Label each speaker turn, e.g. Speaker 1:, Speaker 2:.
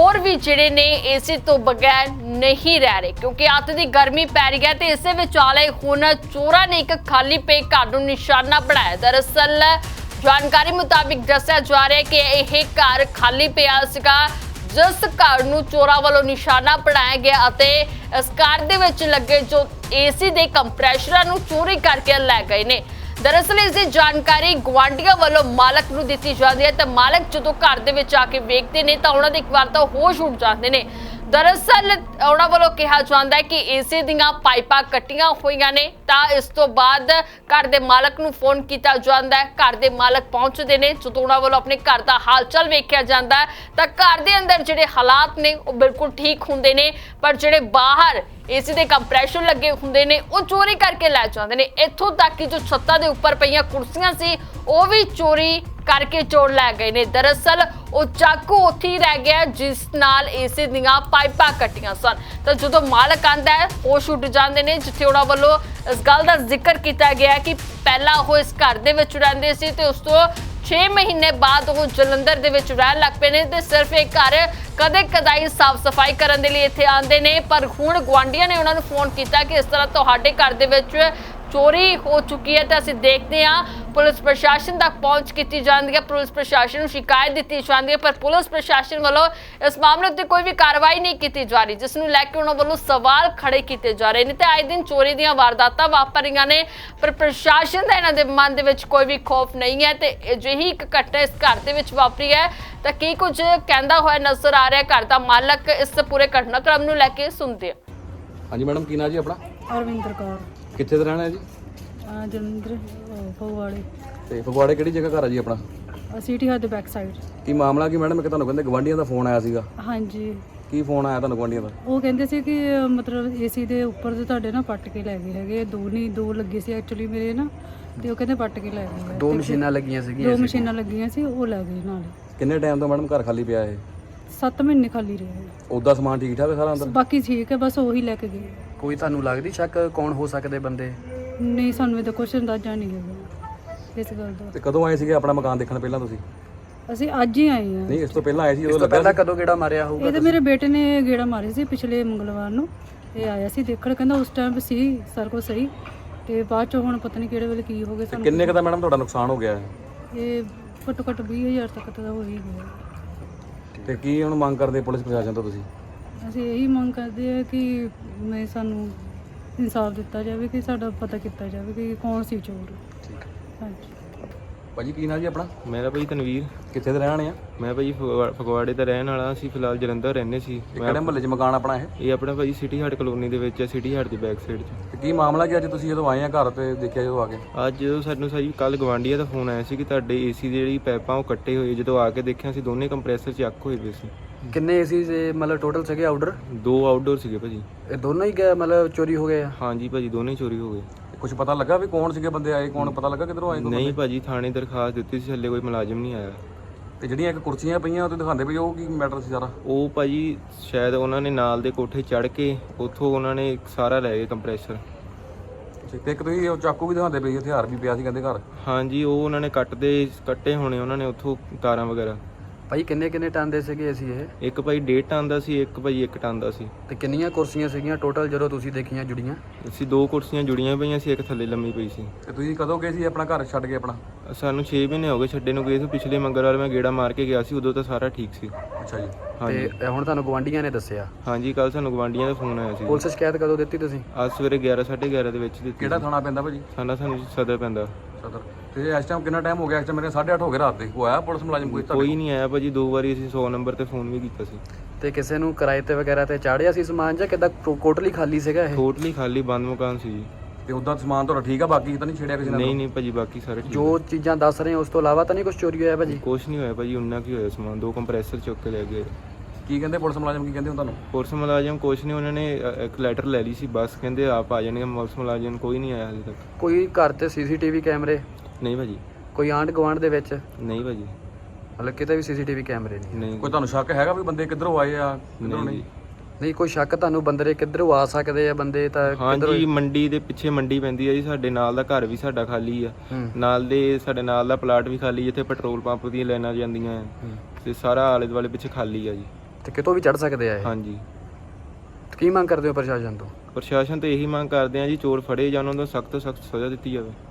Speaker 1: ਹੋਰ ਵੀ ਜਿਹੜੇ ਨੇ ਏਸੀ ਤੋਂ ਬਗੈਰ ਨਹੀਂ ਰਹਿ ਰਹੇ ਕਿਉਂਕਿ ਅੱਤ ਦੀ ਗਰਮੀ ਪੈ ਰਹੀ ਹੈ ਤੇ ਇਸੇ ਵਿਚਾਲੇ ਹੁਣ ਚੋਰਾਂ ਨੇ ਇੱਕ ਖਾਲੀ ਪਏ ਘਰ ਨੂੰ ਨਿਸ਼ਾਨਾ ਬਣਾਇਆ। ਦਰਅਸਲ ਜਾਣਕਾਰੀ ਮੁਤਾਬਿਕ ਦੱਸਿਆ ਜਾ ਰਿਹਾ ਕਿ ਇਹ ਘਰ ਖਾਲੀ ਪਿਆ ਸੀਗਾ ਜਿਸ ਘਰ ਨੂੰ ਚੋਰਾਂ ਵੱਲੋਂ ਨਿਸ਼ਾਨਾ ਬਣਾਇਆ ਗਿਆ ਅਤੇ ਇਸ ਘਰ ਦੇ ਵਿੱਚ ਲੱਗੇ ਜੋ ਏਸੀ ਦੇ ਕੰਪਰੈਸ਼ਰਾਂ ਨੂੰ ਚੋਰੀ ਕਰਕੇ ਲੈ ਗਏ ਨੇ। ਦਰਅਸਲ ਇਸ ਦੀ ਜਾਣਕਾਰੀ ਗੁਆਂਢੀਆਂ ਵੱਲੋਂ ਮਾਲਕ ਨੂੰ ਦਿੱਤੀ ਜਾਂਦੀ ਹੈ ਤਾਂ ਮਾਲਕ ਜਦੋਂ ਘਰ ਦੇ ਵਿੱਚ ਆ ਕੇ ਵੇਖਦੇ ਨੇ ਤਾਂ ਉਹਨਾਂ ਦੇ ਇੱਕ ਵਾਰ ਤਾਂ ਹੋਸ਼ ਉੱਡ ਜਾਂਦੇ ਨੇ। ਦਰਅਸਲ ਉਹਨਾਂ ਵੱਲੋਂ ਕਿਹਾ ਜਾਂਦਾ ਹੈ ਕਿ ਏਸੀ ਦੀਆਂ ਪਾਈਪਾਂ ਕੱਟੀਆਂ ਹੋਈਆਂ ਨੇ ਤਾਂ ਇਸ ਤੋਂ ਬਾਅਦ ਘਰ ਦੇ ਮਾਲਕ ਨੂੰ ਫੋਨ ਕੀਤਾ ਜਾਂਦਾ ਹੈ। ਘਰ ਦੇ ਮਾਲਕ ਪਹੁੰਚਦੇ ਨੇ। ਜਦੋਂ ਉਹਨਾਂ ਵੱਲੋਂ ਆਪਣੇ ਘਰ ਦਾ ਹਾਲ ਚਾਲ ਵੇਖਿਆ ਜਾਂਦਾ ਤਾਂ ਘਰ ਦੇ ਅੰਦਰ ਜਿਹੜੇ ਹਾਲਾਤ ਨੇ ਉਹ ਬਿਲਕੁਲ ਠੀਕ ਹੁੰਦੇ ਨੇ ਪਰ ਜਿਹੜੇ ਬਾਹਰ ਏਸੀ ਦੇ ਕੰਪਰੈਸ਼ਰ ਲੱਗੇ ਹੁੰਦੇ ਨੇ ਉਹ ਚੋਰੀ ਕਰਕੇ ਲੈ ਜਾਂਦੇ ਨੇ। ਇੱਥੋਂ ਤੱਕ ਕਿ ਜੋ ਛੱਤਾਂ ਦੇ ਉੱਪਰ ਪਈਆਂ ਕੁਰਸੀਆਂ ਸੀ ਉਹ ਵੀ ਚੋਰੀ ਕਰਕੇ ਚੋਰ ਲੈ ਗਏ ਨੇ। ਦਰਅਸਲ ਉਹ ਚਾਕੂ ਉੱਥੇ ਹੀ ਰਹਿ ਗਿਆ ਜਿਸ ਨਾਲ ਏਸੀ ਦੀਆਂ ਪਾਈਪਾਂ ਕੱਟੀਆਂ ਸਨ ਤਾਂ ਜਦੋਂ ਮਾਲਕ ਆਂਦਾ ਹੈ ਹੋਸ਼ ਉੱਡ ਜਾਂਦੇ ਨੇ। ਜਿੱਥੇ ਉਹਨਾਂ ਵੱਲੋਂ ਇਸ ਗੱਲ ਦਾ ਜ਼ਿਕਰ ਕੀਤਾ ਗਿਆ ਕਿ ਪਹਿਲਾਂ ਉਹ ਇਸ ਘਰ ਦੇ ਵਿੱਚ ਰਹਿੰਦੇ ਸੀ ਤੇ ਉਸ ਤੋਂ 6 ਮਹੀਨੇ ਬਾਅਦ ਉਹ ਜਲੰਧਰ ਦੇ ਵਿੱਚ ਰਹਿਣ ਲੱਗ ਪਏ ਨੇ ਤੇ ਸਿਰਫ ਇਹ ਘਰ ਕਦੇ ਕਦਾਈ ਸਾਫ਼ ਸਫਾਈ ਕਰਨ ਦੇ ਲਈ ਇੱਥੇ ਆਉਂਦੇ ਨੇ। ਪਰ ਹੁਣ ਗੁਆਂਢੀਆਂ ਨੇ ਉਹਨਾਂ ਨੂੰ ਫੋਨ ਕੀਤਾ ਕਿ ਇਸ ਤਰ੍ਹਾਂ ਤੁਹਾਡੇ ਘਰ ਦੇ ਵਿੱਚ ਚੋਰੀ ਹੋ ਚੁੱਕੀ ਹੈ ਤਾਂ ਅਸੀਂ ਦੇਖਦੇ ਹਾਂ। ਪੁਲਿਸ ਪ੍ਰਸ਼ਾਸਨ ਤੱਕ ਪਹੁੰਚ ਕੀਤੀ ਜਾਂਦੀ ਹੈ, ਪੁਲਿਸ ਪ੍ਰਸ਼ਾਸਨ ਨੂੰ ਸ਼ਿਕਾਇਤ ਦਿੱਤੀ ਜਾਂਦੀ ਹੈ ਪਰ ਪੁਲਿਸ ਪ੍ਰਸ਼ਾਸਨ ਵੱਲੋਂ ਇਸ ਮਾਮਲੇ ਉੱਤੇ ਕੋਈ ਵੀ ਕਾਰਵਾਈ ਨਹੀਂ ਕੀਤੀ ਜਾ ਰਹੀ ਜਿਸ ਨੂੰ ਲੈ ਕੇ ਉਹਨਾਂ ਵੱਲੋਂ ਸਵਾਲ ਖੜੇ ਕੀਤੇ ਜਾ ਰਹੇ ਨੇ ਤੇ ਆਏ ਦਿਨ ਚੋਰੀ ਦੀਆਂ ਵਾਰਦਾਤਾਂ ਵਾਪਰ ਰਹੀਆਂ ਨੇ ਪਰ ਪ੍ਰਸ਼ਾਸਨ ਦਾ ਇਹਨਾਂ ਦੇ ਮਨ ਦੇ ਵਿੱਚ ਕੋਈ ਵੀ ਖੌਫ ਨਹੀਂ ਹੈ ਤੇ ਅਜਿਹੀ ਇੱਕ ਘਟਨਾ ਇਸ ਘਰ ਦੇ ਵਿੱਚ ਵਾਪਰੀ ਹੈ ਤਾਂ ਕੀ ਕੁਝ ਕਹਿੰਦਾ ਹੋਇਆ ਨਜ਼ਰ ਆ ਰਿਹਾ ਘਰ ਦਾ ਮਾਲਕ। ਇਸ ਪੂਰੇ ਘਟਨਾਕ੍ਰਮ ਨੂੰ ਲੈ ਕੇ ਸੁਣਦੇ ਹਾਂ।
Speaker 2: ਹਾਂਜੀ ਮੈਡਮ, ਕੀ ਨਾਂ ਜੀ ਆਪਣਾ?
Speaker 3: ਅਰਵਿੰਦਰ ਕੌਰ।
Speaker 2: ਕਿੱਥੇ ਦਾ ਰਹਿਣਾ ਹੈ ਜੀ?
Speaker 3: ਜਲੰਧਰ ਫਗਵਾੜੇ।
Speaker 2: ਤੇ ਫਗਵਾੜੇ ਕਿਹੜੀ ਜਗ੍ਹਾ ਘਰ ਆ ਜੀ ਆਪਣਾ?
Speaker 3: ਸਿਟੀ ਹੱਦ ਦੇ ਬੈਕ ਸਾਈਡ।
Speaker 2: ਕੀ ਮਾਮਲਾ ਕੀ ਮੈਡਮ? ਕਿ ਤੁਹਾਨੂੰ ਕਹਿੰਦੇ ਗਵਾਂਢੀਆਂ ਦਾ ਫੋਨ ਆਇਆ ਸੀਗਾ।
Speaker 3: ਹਾਂਜੀ।
Speaker 2: ਕੀ ਫੋਨ ਆਇਆ ਤੁਹਾਨੂੰ ਗਵਾਂਢੀਆਂ ਦਾ?
Speaker 3: ਉਹ ਕਹਿੰਦੇ ਸੀ ਕਿ ਮਤਲਬ ਏਸੀ ਦੇ ਉੱਪਰ ਦੇ ਤੁਹਾਡੇ ਨਾ ਪੱਟ ਕੇ ਲੈ ਗਏ ਹੈਗੇ। ਦੋ ਲੱਗੇ ਸੀ ਐਕਚੁਅਲੀ ਮੇਰੇ ਨਾ ਤੇ ਉਹ ਕਹਿੰਦੇ ਪੱਟ ਕੇ ਲੈ ਗਏ।
Speaker 2: ਦੋ ਮਸ਼ੀਨਾਂ ਲੱਗੀਆਂ ਸੀਗੀਆਂ।
Speaker 3: ਦੋ ਮਸ਼ੀਨਾਂ ਲੱਗੀਆਂ ਸੀ ਉਹ ਲੈ ਗਏ ਨਾਲ।
Speaker 2: ਕਿੰਨੇ ਟਾਈਮ ਤੋਂ ਮੈਡਮ ਘਰ ਖਾਲੀ ਪਿਆ ਇਹ?
Speaker 3: 7 ਮਹੀਨੇ ਖਾਲੀ ਰਹੇ।
Speaker 2: ਉਹਦਾ ਸਮਾਨ ਠੀਕ ਠਾਕ ਹੈ ਸਾਰਾ ਅੰਦਰ?
Speaker 3: ਬਾਕੀ ਠੀਕ ਹੈ, ਬਸ ਉਹੀ ਲੈ ਕੇ ਗਏ।
Speaker 2: ਕੋਈ ਤੁਹਾਨੂੰ ਲੱਗਦੀ ਸ਼ੱਕ ਕੌਣ ਹੋ ਸਕਦੇ ਬੰਦੇ?
Speaker 3: ਨਹੀਂ, ਸਾਨੂੰ ਇਹਦਾ ਕੁਛ ਅੰਦਾਜ਼ਾ ਨਹੀਂ ਹੈਗਾ ਇਸ ਗੱਲ ਦਾ।
Speaker 2: ਤੇ ਕਦੋਂ ਆਏ ਸੀਗੇ ਆਪਣਾ ਮਕਾਨ ਦੇਖਣ ਪਹਿਲਾਂ ਤੁਸੀਂ?
Speaker 3: ਅਸੀਂ ਅੱਜ ਹੀ ਆਏ ਹਾਂ।
Speaker 2: ਨਹੀਂ, ਇਸ ਤੋਂ ਪਹਿਲਾਂ ਆਏ ਸੀ? ਉਸ ਤੋਂ ਪਹਿਲਾਂ ਕਦੋਂ ਗੇੜਾ ਮਾਰਿਆ ਹੋਊਗਾ?
Speaker 3: ਇਹ ਤਾਂ ਮੇਰੇ ਬੇਟੇ ਨੇ ਗੇੜਾ ਮਾਰੇ ਸੀ ਪਿਛਲੇ ਮੰਗਲਵਾਰ ਨੂੰ। ਇਹ ਆਇਆ ਸੀ ਦੇਖਣ, ਕਹਿੰਦਾ ਉਸ ਟਾਈਮ ਸੀ ਸਾਰਾ ਕੁਛ ਸਹੀ ਤੇ ਬਾਅਦ ਚ ਹੁਣ ਪਤਾ ਨਹੀਂ ਕਿਹੜੇ ਵੇਲੇ ਕੀ ਹੋ ਗਿਆ ਸਾਨੂੰ।
Speaker 2: ਕਿੰਨੇ ਕ ਦਾ ਮੈਡਮ ਤੁਹਾਡਾ ਨੁਕਸਾਨ ਹੋ ਗਿਆ ਹੈ?
Speaker 3: ਇਹ ਘੱਟੋ ਘੱਟ 20,000 ਤੱਕ ਤਾਂ ਹੋ ਹੀ ਗਿਆ।
Speaker 2: ਤੇ ਕੀ ਹੁਣ ਮੰਗ ਕਰਦੇ ਪੁਲਿਸ ਪ੍ਰਸ਼ਾਸਨ ਤੋਂ ਤੁਸੀਂ?
Speaker 3: ਅਸੀਂ ਇਹੀ ਮੰਗ ਕਰਦੇ ਆ ਕਿ ਸਾਨੂੰ ਇਨਸਾਫ ਦਿੱਤਾ ਜਾਵੇ ਕਿ ਸਾਡਾ ਪਤਾ ਕੀਤਾ ਜਾਵੇ ਕਿ ਕੌਣ ਸੀ ਚੋਰ।
Speaker 2: ਠੀਕ ਹੈ
Speaker 3: ਹਾਂਜੀ।
Speaker 2: ਭਾਜੀ, ਕੀ ਨਾਂ ਜੀ ਆਪਣਾ?
Speaker 4: ਮੇਰਾ ਭਾਈ ਤਨਵੀਰ।
Speaker 2: ਕਿੱਥੇ ਦੇ ਰਹਿਣ ਵਾਲੇ ਆ?
Speaker 4: ਮੈਂ ਭਾਈ ਫਗਵਾੜੇ ਦਾ ਰਹਿਣ ਵਾਲਾ। ਅਸੀਂ ਫਿਲਹਾਲ ਜਲੰਧਰ ਰਹਿੰਦੇ ਸੀ।
Speaker 2: ਕਿਹੜੇ ਮੁਹੱਲੇ 'ਚ ਮਕਾਨ ਆਪਣਾ ਇਹ?
Speaker 4: ਇਹ ਆਪਣਾ ਭਾਈ ਸਿਟੀ ਹਾਰਟ ਕਲੋਨੀ ਦੇ ਵਿੱਚ ਹੈ, ਸਿਟੀ ਹਾਰਟ ਦੀ ਬੈਕ ਸਾਈਡ 'ਚ।
Speaker 2: ਤੇ ਕੀ ਮਾਮਲਾ ਕੀ ਅੱਜ ਤੁਸੀਂ ਜਦੋਂ ਆਏ ਆ ਘਰ ਤੇ ਦੇਖਿਆ ਜਦੋਂ ਆ ਕੇ?
Speaker 4: ਅੱਜ ਜਦੋਂ ਸਾਨੂੰ ਸਾਡੀ ਕੱਲ ਗਵਾਂਢੀਆਂ ਦਾ ਫੋਨ ਆਇਆ ਸੀ ਕਿ ਤੁਹਾਡੇ ਏਸੀ ਦੀ ਜਿਹੜੀ ਪਾਈਪਾਂ ਉਹ ਕੱਟੇ ਹੋਏ। ਜਦੋਂ ਆ ਕੇ ਦੇਖਿਆ ਅਸੀਂ ਦੋਨੇ ਕੰਪਰੈਸਰ ਚੱਕ ਹੋਏ ਪਏ ਸੀ।
Speaker 2: ਕਿੰਨੇ ਏਸੀ ਦੇ ਮਤਲਬ ਟੋਟਲ ਸੀਗੇ ਆਊਟਡੋਰ?
Speaker 4: 2 ਆਊਟਡੋਰ ਸੀਗੇ ਭਾਜੀ।
Speaker 2: ਇਹ ਦੋਨੋਂ ਹੀ ਮਤਲਬ ਚੋਰੀ ਹੋ ਗਏ ਆ?
Speaker 4: ਹਾਂਜੀ ਭਾਜੀ, ਦੋਨੇ ਚੋਰੀ ਹੋ ਗਏ।
Speaker 2: ਕੁਝ ਪਤਾ ਲੱਗਾ ਵੀ ਕੌਣ ਸੀਗੇ ਬੰਦੇ ਆਏ? ਕੌਣ ਪਤਾ ਲੱਗਾ ਕਿੱਧਰੋਂ ਆਏ?
Speaker 4: ਨਹੀਂ ਭਾਜੀ, ਥਾਣੇ ਦਰਖਾਸਤ ਦਿੱਤੀ ਸੀ, ਹਲੇ ਕੋਈ ਮੁਲਾਜ਼ਮ ਨਹੀਂ ਆਇਆ।
Speaker 2: ਤੇ ਜਿਹੜੀਆਂ ਇੱਕ ਕੁਰਸੀਆਂ ਪਈਆਂ ਉਹ ਤੇ ਦਿਖਾਉਂਦੇ ਪਏ, ਉਹ ਕੀ ਮੈਟਰ ਸੀ ਸਾਰਾ?
Speaker 4: ਉਹ ਭਾਜੀ ਸ਼ਾਇਦ ਉਹਨਾਂ ਨੇ ਨਾਲ ਦੇ ਕੋਠੇ ਚੜ੍ਹ ਕੇ ਉੱਥੋਂ ਉਹਨਾਂ ਨੇ ਸਾਰਾ ਲੈ ਗਏ ਕੰਪਰੈਸਰ।
Speaker 2: ਤੇ ਇੱਕ ਤੁਸੀਂ ਉਹ ਚਾਕੂ ਵੀ ਦਿਖਾਉਂਦੇ ਪਏ, ਹਥਿਆਰ ਵੀ ਪਿਆ ਸੀ ਕਹਿੰਦੇ ਘਰ।
Speaker 4: ਹਾਂਜੀ, ਉਹ ਉਹਨਾਂ ਨੇ ਕੱਟੇ ਹੋਣੇ ਉਹਨਾਂ ਨੇ ਉੱਥੋਂ ਤਾਰਾਂ ਵਗੈਰਾ।
Speaker 2: ਭਾਈ ਕਿੰਨੇ ਟਨ ਦੇ ਸੀਗੇ ਅਸੀਂ ਇਹ?
Speaker 4: ਇੱਕ ਭਾਈ 1.5 ਟਨ ਦਾ ਸੀ, ਇੱਕ ਭਾਈ 1 ਟਨ ਦਾ ਸੀ।
Speaker 2: ਤੇ ਕਿੰਨੀਆਂ ਕੁਰਸੀਆਂ ਸੀਗੀਆਂ ਟੋਟਲ ਜਦੋਂ ਤੁਸੀਂ ਦੇਖੀਆਂ ਜੁੜੀਆਂ?
Speaker 4: ਅਸੀਂ 2 ਕੁਰਸੀਆਂ ਜੁੜੀਆਂ ਪਈਆਂ ਸੀ, ਇੱਕ ਥੱਲੇ ਲੰਮੀ ਪਈ ਸੀ।
Speaker 2: ਤੇ ਤੁਸੀਂ ਕਦੋਂ ਗਏ ਸੀ ਆਪਣਾ ਘਰ ਛੱਡ ਕੇ ਆਪਣਾ?
Speaker 4: ਸਾਨੂੰ 6 ਮਹੀਨੇ ਹੋ ਗਏ ਛੱਡੇ ਨੂੰ ਗਏ ਸੀ। ਪਿਛਲੇ ਮੰਗਲਵਾਰ ਮੈਂ ਗੇੜਾ ਮਾਰ ਕੇ ਗਿਆ ਸੀ, ਉਦੋਂ ਤਾਂ ਸਾਰਾ ਠੀਕ ਸੀ।
Speaker 2: ਅੱਛਾ ਜੀ।
Speaker 4: ਹਾਂਜੀ।
Speaker 2: ਤੇ ਹੁਣ ਤੁਹਾਨੂੰ ਗਵਾਂਢੀਆਂ ਨੇ ਦੱਸਿਆ?
Speaker 4: ਹਾਂਜੀ, ਕੱਲ ਸਾਨੂੰ ਗਵਾਂਢੀਆਂ ਦਾ ਫੋਨ ਆਇਆ ਸੀ।
Speaker 2: ਪੁਲਿਸ ਸ਼ਿਕਾਇਤ ਕਦੋਂ ਦਿੱਤੀ ਤੁਸੀਂ?
Speaker 4: ਅੱਜ ਸਵੇਰੇ 11 11:30 ਦੇ ਵਿੱਚ ਦਿੱਤੀ।
Speaker 2: ਕਿਹੜਾ ਥਾਣਾ ਪੈਂਦਾ ਭਾਜੀ?
Speaker 4: ਸਾਨੂੰ ਸਦਰ ਪੈਂਦਾ।
Speaker 2: ਸਦਰ। ਤੇ ਇਸ ਟਾਈਮ ਕਿੰਨਾ ਟਾਈਮ ਹੋ ਗਿਆ? ਇਸ ਟਾਈਮ ਮੇਰੇ 8:30 ਹੋ ਗਏ ਰਾਤ ਦੇ। ਕੋਈ ਆਇਆ ਪੁਲਿਸ ਮੁਲਾਜ਼ਮ
Speaker 4: ਕੋਈ ਨਹੀਂ ਆਇਆ ਭਾਜੀ। 2 ਵਾਰੀ ਅਸੀਂ 100 ਨੰਬਰ ਤੇ ਫੋਨ ਵੀ ਕੀਤਾ ਸੀ।
Speaker 2: ਤੇ ਕਿਸੇ ਨੂੰ ਕਿਰਾਏ ਤੇ ਵਗੈਰਾ ਤੇ ਚਾੜਿਆ ਸੀ ਸਮਾਨ ਜਾਂ ਕਿੱਦਾਂ ਟੋਟਲੀ ਖਾਲੀ ਸੀਗਾ ਇਹ?
Speaker 4: ਟੋਟਲੀ ਖਾਲੀ ਬੰਦ ਮਕਾਨ ਸੀ ਜੀ।
Speaker 2: ਤੇ ਉਦਾਂ ਸਮਾਨ ਤੁਹਾਡਾ ਠੀਕ ਆ? ਬਾਕੀ ਤਾਂ ਨਹੀਂ ਛੇੜਿਆ ਕਿਸੇ ਨੇ?
Speaker 4: ਨਹੀਂ ਭਾਜੀ, ਬਾਕੀ ਸਾਰੇ ਠੀਕ।
Speaker 2: ਜੋ ਚੀਜ਼ਾਂ ਦੱਸ ਰਹੇ ਉਸ ਤੋਂ ਇਲਾਵਾ ਤਾਂ ਨਹੀਂ ਕੁਝ ਚੋਰੀ ਹੋਇਆ ਭਾਜੀ?
Speaker 4: ਕੁਛ ਨਹੀਂ ਹੋਇਆ ਭਾਜੀ, ਉਨਾ ਕੀ ਹੋਇਆ ਸਮਾਨ। 2 ਕੰਪਰੈਸਰ ਚੁੱਕ ਕੇ ਲੈ ਗਏ।
Speaker 2: ਕੀ ਕਹਿੰਦੇ ਪੁਲਿਸ ਮੁਲਾਜ਼ਮ? ਕੀ ਕਹਿੰਦੇ ਹੁਣ ਤੁਹਾਨੂੰ?
Speaker 4: ਪੁਲਿਸ ਮੁਲਾਜ਼ਮ ਕੁਛ ਨਹੀਂ, ਉਹਨਾਂ ਨੇ ਇੱਕ ਲੈਟਰ ਲੈ ਲਈ ਸੀ ਬਸ। ਕਹਿੰਦੇ ਆਪ ਆ ਜਾਣਗੇ। ਪੁਲਿਸ ਮੁਲਾਜ਼ਮ ਕੋਈ ਨਹੀਂ ਆਇਆ ਹਜੇ ਤੱਕ।
Speaker 2: ਕੋਈ ਘਰ ਤੇ ਸੀਸੀਟੀਵੀ ਕੈਮਰੇ?
Speaker 4: ਨਹੀਂ ਭਾਜੀ।
Speaker 2: ਕੋਈ ਆਂਢ ਗੁਆਂਢ ਦੇ ਵਿੱਚ?
Speaker 4: ਨਹੀਂ ਭਾਜੀ।
Speaker 2: ਮਤਲਬ ਕਿਤੇ ਵੀ ਸੀਸੀਟੀਵੀ ਕੈਮਰੇ
Speaker 4: ਨਹੀਂ।
Speaker 2: ਕੋਈ ਤੁਹਾਨੂੰ ਸ਼ੱਕ ਹੈਗਾ ਵੀ ਬੰਦੇ ਕਿੱਧਰੋਂ ਆਏ ਆ ਕਿੱਧਰੋਂ ਨਹੀਂ? ਨਹੀਂ ਕੋਈ ਸ਼ੱਕ ਤੁਹਾਨੂੰ ਬੰਦੇ ਕਿੱਧਰੋਂ ਆ ਸਕਦੇ ਆ ਬੰਦੇ ਤਾਂ?
Speaker 4: ਹਾਂਜੀ, ਮੰਡੀ ਦੇ ਪਿੱਛੇ ਮੰਡੀ ਪੈਂਦੀ ਹੈ ਜੀ। ਸਾਡੇ ਨਾਲ ਦਾ ਘਰ ਵੀ ਸਾਡਾ ਖਾਲੀ ਆ। ਸਾਡੇ ਨਾਲ ਦਾ ਪਲਾਟ ਵੀ ਖਾਲੀ, ਜਿੱਥੇ ਪੈਟਰੋਲ ਪੰਪ ਦੀਆਂ ਲਾਈਨਾਂ ਜਾਂਦੀਆਂ ਤੇ ਸਾਰਾ ਆਲੇ ਦੁਆਲੇ ਪਿੱਛੇ ਖਾਲੀ ਆ ਜੀ।
Speaker 2: ਤੇ ਕਿਤੋਂ ਵੀ ਚੜ ਸਕਦੇ ਆ ਇਹ।
Speaker 4: ਹਾਂਜੀ।
Speaker 2: ਕੀ ਮੰਗ ਕਰਦੇ ਹੋ ਪ੍ਰਸ਼ਾਸਨ ਤੋਂ?
Speaker 4: ਪ੍ਰਸ਼ਾਸਨ ਤੋਂ ਇਹੀ ਮੰਗ ਕਰਦੇ ਆ ਜੀ, ਚੋਰ ਫੜੇ ਜਾਣ, ਉਹਨਾਂ ਨੂੰ ਸਖਤ ਤੋਂ ਸਖਤ ਸਜ਼ਾ ਦਿੱਤੀ ਜਾਵੇ।